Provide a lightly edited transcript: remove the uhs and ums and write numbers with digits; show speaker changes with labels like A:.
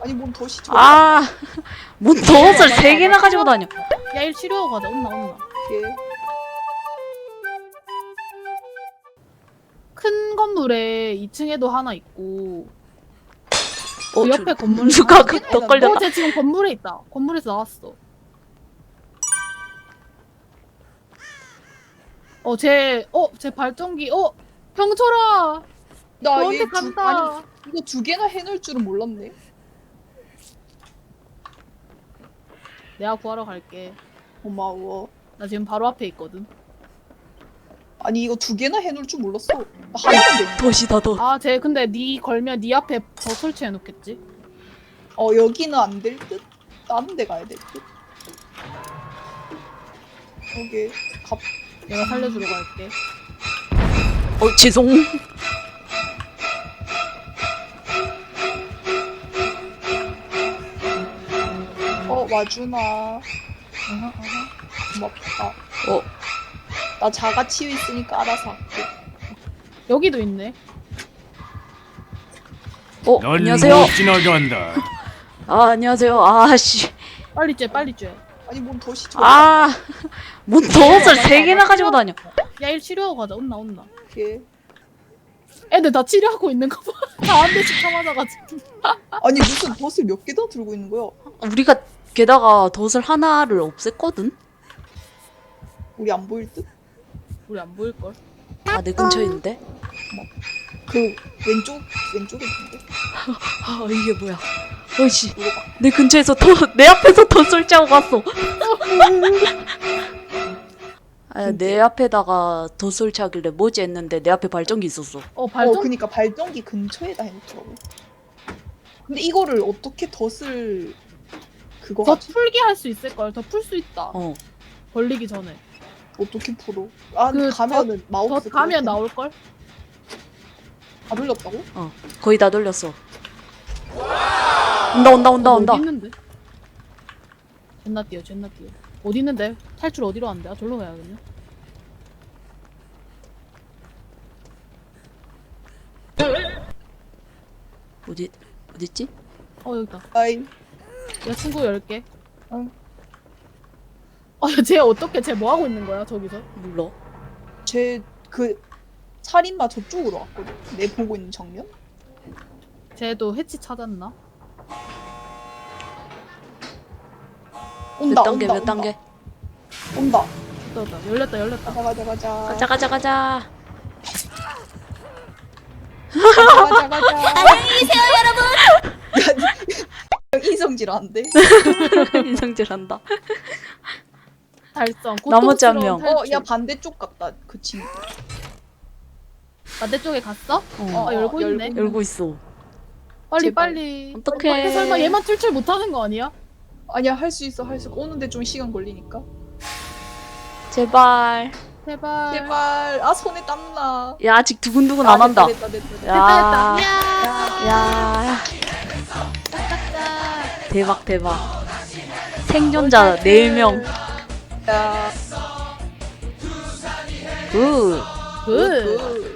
A: 아니 뭔 덫이 저.
B: 아, 뭔 덫을 3개나 가지고 다녀.
C: 야, 일 치료하고 가자. 온나.
A: 예.
C: 큰 건물에 2층에도 하나 있고
B: 어,
C: 그 옆에 건물
B: 누가 그 덫 걸렸다.
C: 쟤 지금 건물에 있다. 건물에서 나왔어. 쟤 발전기. 병철아.
A: 나
C: 너한테
A: 얘
C: 간다.
A: 아니 이거 2개나 해놓을 줄은 몰랐네.
C: 내가 구하러 갈게.
A: 고마워.
C: 나 지금 바로 앞에 있거든.
A: 아니 이거 2개나 해놓을 줄 몰랐어. 나 하나만 돼.
B: 덫이다, 덫.
C: 쟤 근데 네 걸면 네 앞에 더 설치해 놓겠지?
A: 여기는 안 될 듯? 다른 데 가야 될 듯? 여기
C: 내가 살려주러 갈게.
B: 죄송.
A: 와주나. 고맙다. 나 자가 치유 있으니까 알아서 할게.
C: 여기도 있네.
D: 넌
B: 안녕하세요.
D: 못 지나간다.
B: 안녕하세요. 아씨.
C: 빨리 쬐.
A: 아니 뭔 덫이 저.
B: 뭔 덫을 3개나 가지고 다녀.
C: 야, 일 치료하고 가자. 온나.
A: 예.
C: 애들 다 치료하고 있는 거 봐. 다 한 대씩 쳐맞아가지고.
A: 아니 무슨 덫을 몇 개나 들고 있는 거야?
B: 우리가 게다가 덫을 하나를 없앴거든?
A: 우리 안 보일 듯?
C: 우리 안 보일걸?
B: 내 근처에 있는데?
A: 그 왼쪽에 있는데?
B: 이게 뭐야. 어이씨.
A: 이거 봐.
B: 내 근처에서 내 앞에서 덫 설치하고 갔어. 내 앞에다가 덫 설치하길래 뭐지 했는데 내 앞에 발전기 있었어.
A: 그니까 발전기 근처에다 해놓더라고. 근데 이거를 어떻게 덫을 그거
C: 더
A: 하지?
C: 풀게 할 수 있을걸? 더 풀 수 있다. 걸리기 전에.
A: 어떻게 풀어? 가면은
C: 더
A: 마우스
C: 가면 나올걸?
A: 다 돌렸다고?
B: 거의 다 돌렸어. 온다.
C: 어디 있는데? 존나 뛰어. 어디 있는데? 탈출 어디로 간대? 절로 가야겠네.
B: 어딨지?
C: 여기다.
A: 아이
C: 야, 친구 10개.
A: 응.
C: 쟤 어떻게, 쟤 뭐 하고 있는 거야, 저기서?
B: 몰라.
A: 쟤 그 살인마 저쪽으로 왔거든. 내 보고 있는 정면?
C: 쟤도 해치 찾았나?
A: 온다.
B: 몇 단계?
A: 온다.
C: 열렸다.
A: 가자.
B: 가자.
A: 안녕히 계세요, 여러분. 인성질한데.
B: 인성질한다.
C: 달성.
B: 나머지 한 명.
A: 야 반대쪽 같다. 그 친구.
C: 반대쪽에 갔어?
B: 어.
C: 열고 있네.
B: 열고 있어.
C: 빨리.
B: 어떡해.
C: 설마 얘만 출출 못하는 거 아니야?
A: 아니야 할 수 있어. 오는데 좀 시간 걸리니까.
B: 제발.
C: 제발.
A: 손에 땀나.
B: 야, 아직 두근두근 안 한다.
A: 됐다.
B: 야.
C: 됐다.
B: 야.
C: 딱딱딱.
B: 대박. 생존자 4명.
A: 야.
B: 굿.
C: 굿.